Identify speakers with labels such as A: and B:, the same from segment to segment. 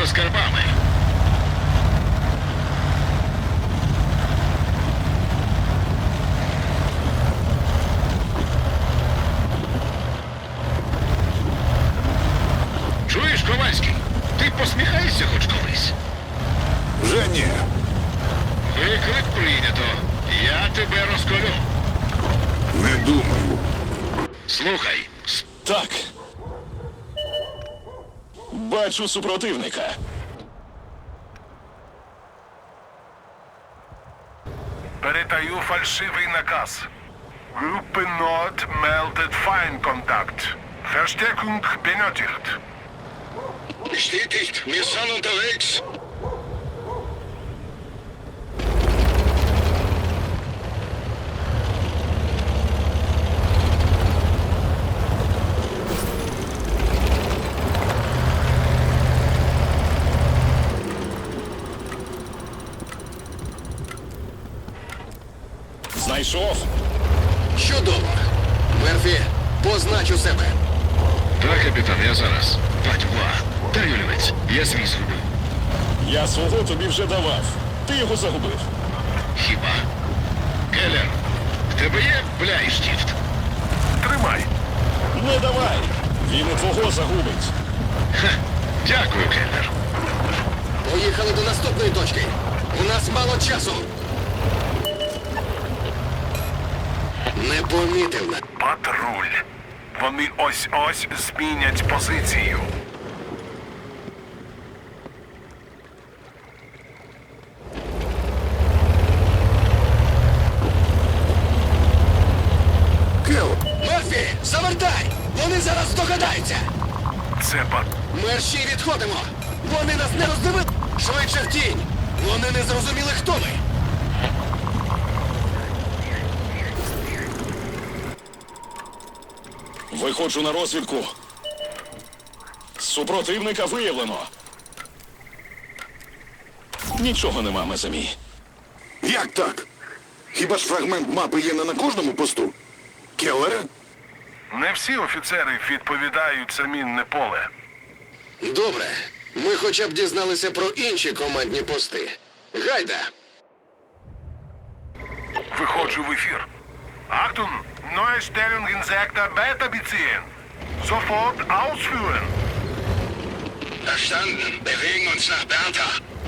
A: скарбами. Чуєш, Ковальський? Ти посміхаєшся хоч колись?
B: Вже ні.
A: Виклик прийнято. Я тебе розколю.
B: Не думаю.
A: Слухай,
C: Так. Бачу супротивника.
D: Передаю фальшивий наказ. Gruppe Nord meldet Feindkontakt. Verstärkung benötigt.
A: Bestätigt, wir sind unterwegs.
C: Знайшов.
E: Чудово. Мерфі, познач у себе.
A: Так, капітан, я зараз. Батьва, дай олівець, я свій згубив.
C: Я свого тобі вже давав. Ти його загубив.
A: Хіба? Келлер, в тебе є бляйштіфт?
D: Тримай.
C: Не давай. Він і твого загубить.
A: Ха, дякую, Келлер.
E: Поїхали до наступної точки. У нас мало часу. Не помітив мене.
D: Патруль. Вони ось-ось змінять позицію.
B: Кел,
E: Мерфі, завертай! Вони зараз здогадаються!
D: Це
E: Мерші, відходимо! Вони нас не роздивили! Швидше в тінь! Вони не зрозуміли, хто ми!
C: Виходжу на розвідку. Супротивника виявлено. Нічого нема, Мезамі.
B: як так? Хіба ж фрагмент мапи є не на кожному посту? Келлере?
D: Не всі офіцери відповідають за мінне поле.
E: Добре. Ми хоча б дізналися про інші командні пости. Гайда!
D: Виходжу в ефір. Achtung! Neue Stellung in Sektor Beta beziehen. Sofort ausführen.
A: Verstanden. Bewegen uns nach Bertha.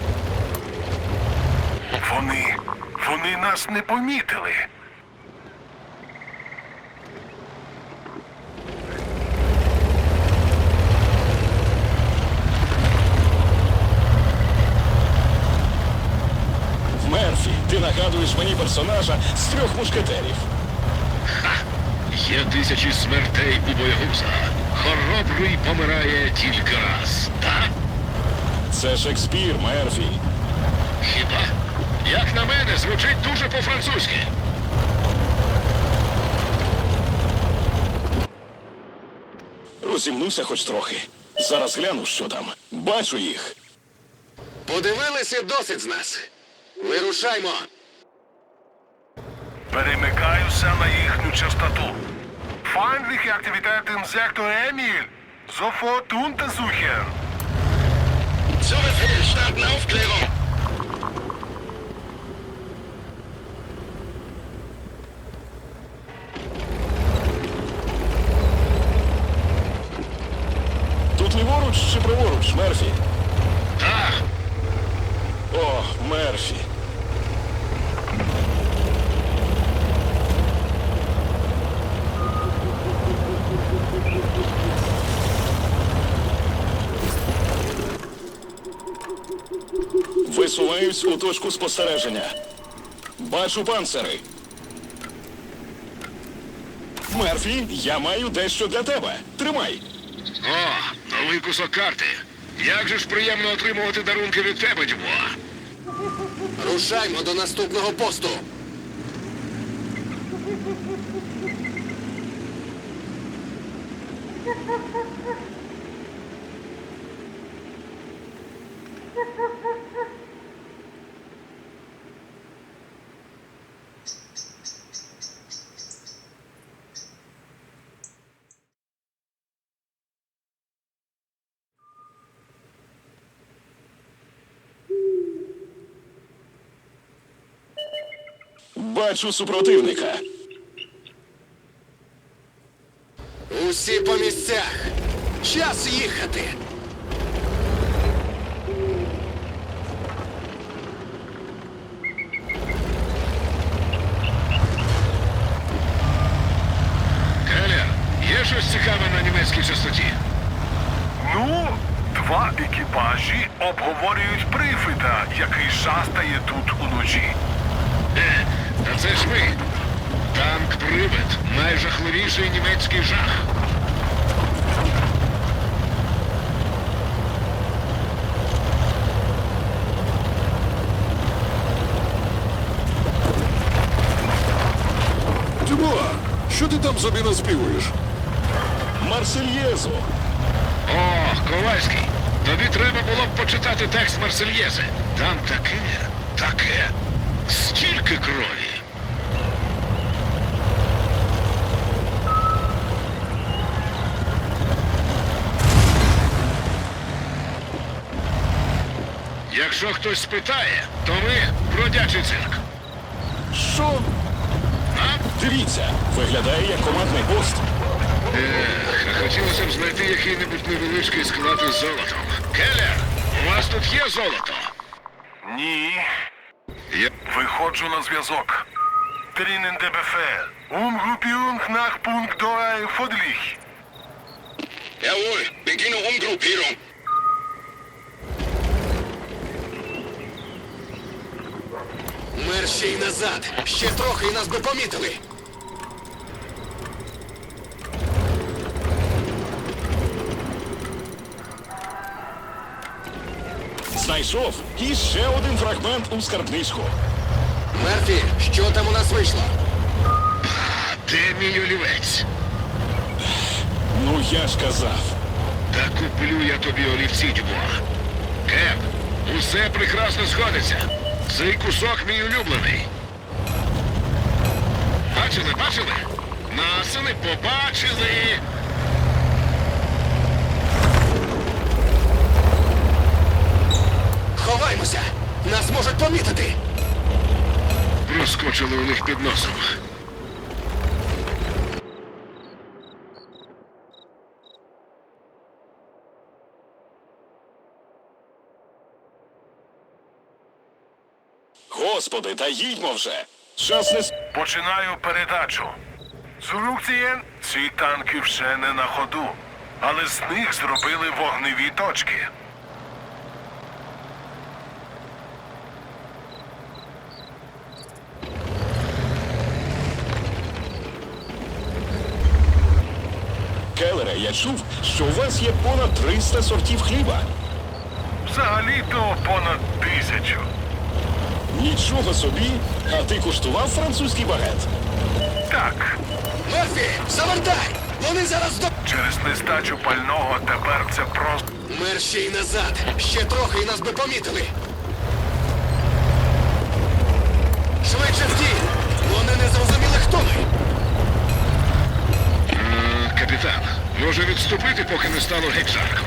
D: Вони нас не помітили.
C: Мерфі, ти нагадуєш мені персонажа з трьох мушкетерів.
A: Ха! Є тисячі смертей у боягуза. Хоробрий помирає тільки раз, так?
C: Це Шекспір, Мерфі.
A: Хіба? Як на мене, звучить дуже по-французьки.
C: Розімнуся хоч трохи. Зараз гляну, що там. Бачу їх.
E: Подивилися досить з нас. Вирушаймо!
D: Перемикаюся на їхню частоту. Feindliche Aktivität im Sektor Emil. Sofort untersuchen.
A: Zu Befehl, starten Aufklärung.
C: Тут ліворуч чи праворуч, Мерфі?
A: Так,
C: О, Мерфі. Висуваюсь у точку спостереження. Бачу панцири. Мерфі, я маю дещо для тебе. Тримай.
A: о, новий кусок карти. Як же ж приємно отримувати дарунки від тебе, Дюбуа.
E: Рушаймо до наступного посту!
C: Бачу супротивника.
E: Усі по місцях. Час їхати.
A: Келлер, є щось цікаве на німецькій частоті?
D: Ну, два екіпажі обговорюють прифита, який шастає тут уночі.
A: Та це ж ми. Танк-привид. Найжахливіший німецький жах.
B: Дюбуа, що ти там собі наспівуєш?
C: Марсельєзу.
A: О, Ковальський. Тобі треба було б почитати текст Марсельєзи. Там таке. Стільки крові. Якщо хтось спитає, то ми бродячий цирк.
C: Що?
A: А?
C: Дивіться, виглядає як командний пост.
A: А хотілося б знайти який-небудь невеличкий склад із золотом. Келлер, у вас тут є золото?
D: Ні.
A: Є.
D: Виходжу на зв'язок. Drinnen der Befehl. Umgruppierung nach Punkt 2 Fodlich.
E: Jawohl, beginne Umgruppierung. Мерщій назад. Ще трохи і нас би помітили.
C: Знайшов і ще один фрагмент у скарбничку.
E: Мерфі, що там у нас вийшло?
A: Де мій олівець?
C: Ну я ж казав.
A: Та куплю я тобі олівці, Дюбуа. Кеп, усе прекрасно сходиться. Цей кусок мій улюблений. Бачили? Насини побачили.
E: Ховаймося! Нас можуть помітити!
A: Проскочили у них під носом.
C: Господи, та їдьмо вже. Час не...
D: Починаю передачу. Зурукцієн, ці танки ще не на ходу, але з них зробили вогневі точки.
C: Келлере, я чув, що у вас є понад 300 сортів хліба.
D: Взагалі-то понад 1000.
C: Нічого собі. А ти куштував французький багет?
D: Так,
E: Мерфі, завертай! Вони зараз до...
D: через нестачу пального тепер це просто...
E: Мерщій назад! Ще трохи і нас би помітили! Швидше в тінь! Вони не зрозуміли, хто ми!
A: Капітан, може відступити, поки не стало геть жарко.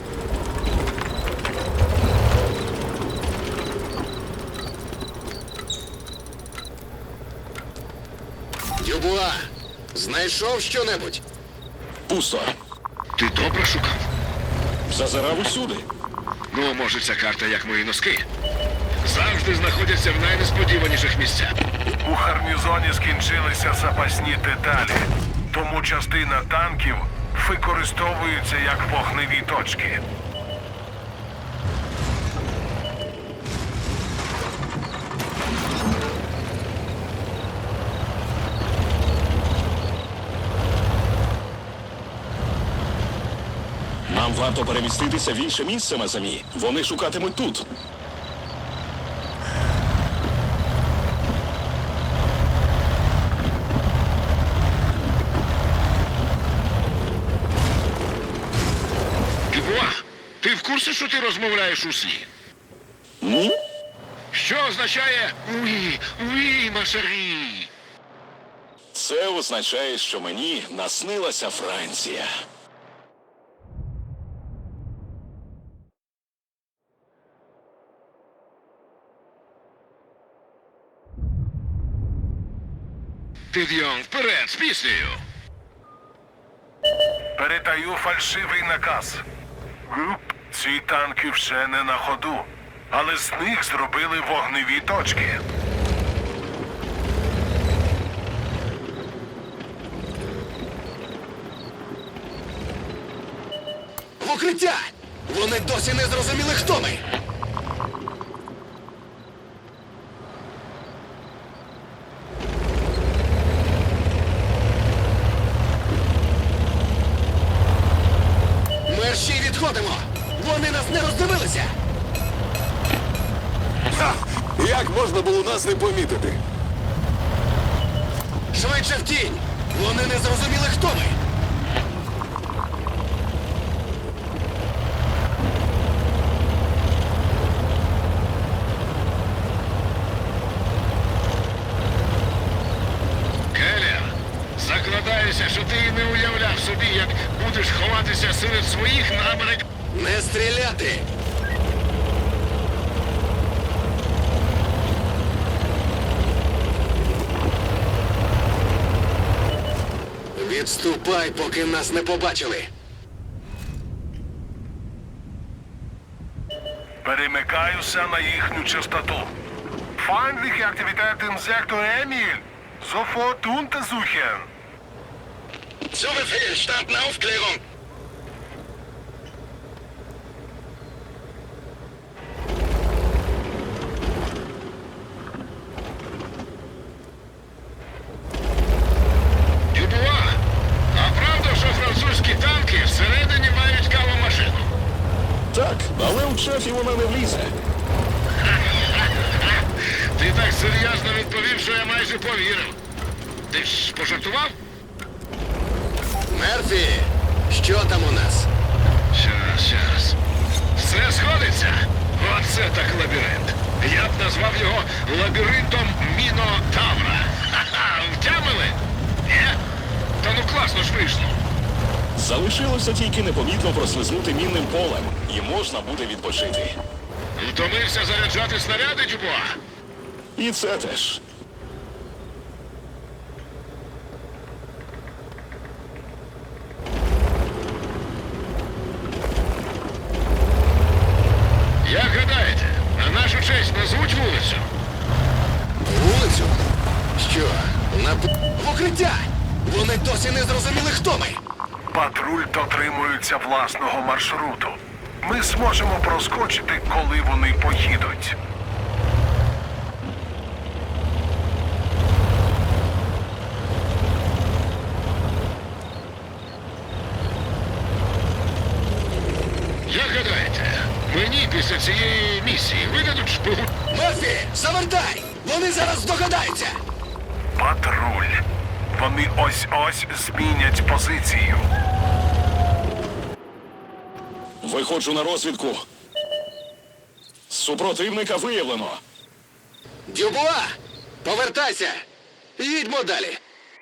E: Дюбуа, знайшов що-небудь?
C: Пусто.
A: Ти добре шукав?
C: Зазирав усюди.
A: Ну, може, ця карта як мої носки. Завжди знаходяться в найнесподіваніших місцях.
D: У гарнізоні скінчилися запасні деталі, тому частина танків використовується як вогневі точки.
C: Нам варто переміститися в інше місце, Мазамі. Вони шукатимуть тут.
A: Дюбуа, ти в курсі, що ти розмовляєш у сні?
C: Ну?
A: Що означає «Уі, машарі»?
C: Це означає, що мені наснилася Франція.
A: Підйом, вперед, з піснею!
D: Передаю фальшивий наказ. Груп, ці танки вже не на ходу, але з них зробили вогневі точки.
E: В укриття! Вони досі не зрозуміли, хто ми! Мерщій відходимо! Вони нас не роздивилися!
B: Ха! Як можна було нас не помітити?
E: Швидше в тінь! Вони не зрозуміли, хто ми!
A: Келлер, закладаюся, що ти і не уявляв собі, як будеш ховатися серед своїх на Америк...
E: Не стріляти! Відступай, поки нас не побачили.
D: Перемикаюся на їхню частоту. Feindliche Aktivität im Sektor Emil. Sofort untersuchen.
E: Zu Befehl, starten Aufklärung.
A: Дюбуа, а правда, що французькі танки всередині мають кавомашину?
C: Так, але у шефі вона не влізе.
A: Ти так серйозно відповів, що я майже повірив. Ти ж пожартував?
E: Мерфі, що там у нас?
A: Щас. Все сходиться? Оце так лабіринт. Я б назвав його лабіринтом Мінотавра. Ха-ха, втямили? Ні? Та ну класно ж вийшло.
C: Залишилося тільки непомітно прослизнути мінним полем, і можна буде відпочити.
A: Втомився заряджати снаряди, Дюбуа?
C: І це теж.
A: Як гадаєте, на нашу честь назвуть вулицю?
E: Вулицю? Що? В укриття! Вони досі не зрозуміли, хто ми!
D: Патруль дотримується власного маршруту. Ми зможемо проскочити, коли вони поїдуть.
A: Як гадаєте, мені після цієї місії видадуть шпигу?
E: Мерфі, завертай! Вони зараз здогадаються!
D: Патруль. Вони ось-ось змінять позицію.
C: Виходжу на розвідку. Супротивника виявлено.
E: Дюбуа! Повертайся! Їдьмо далі!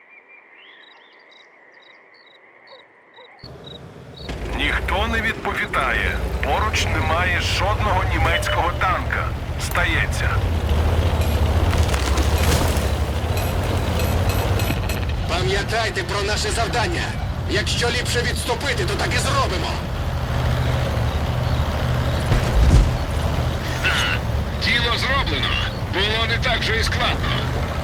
D: Ніхто не відповідає. Поруч немає жодного німецького танка. Стається.
E: Пам'ятайте про наше завдання! Якщо ліпше відступити, то так і зробимо!
A: Діло зроблено. Було не так же і складно.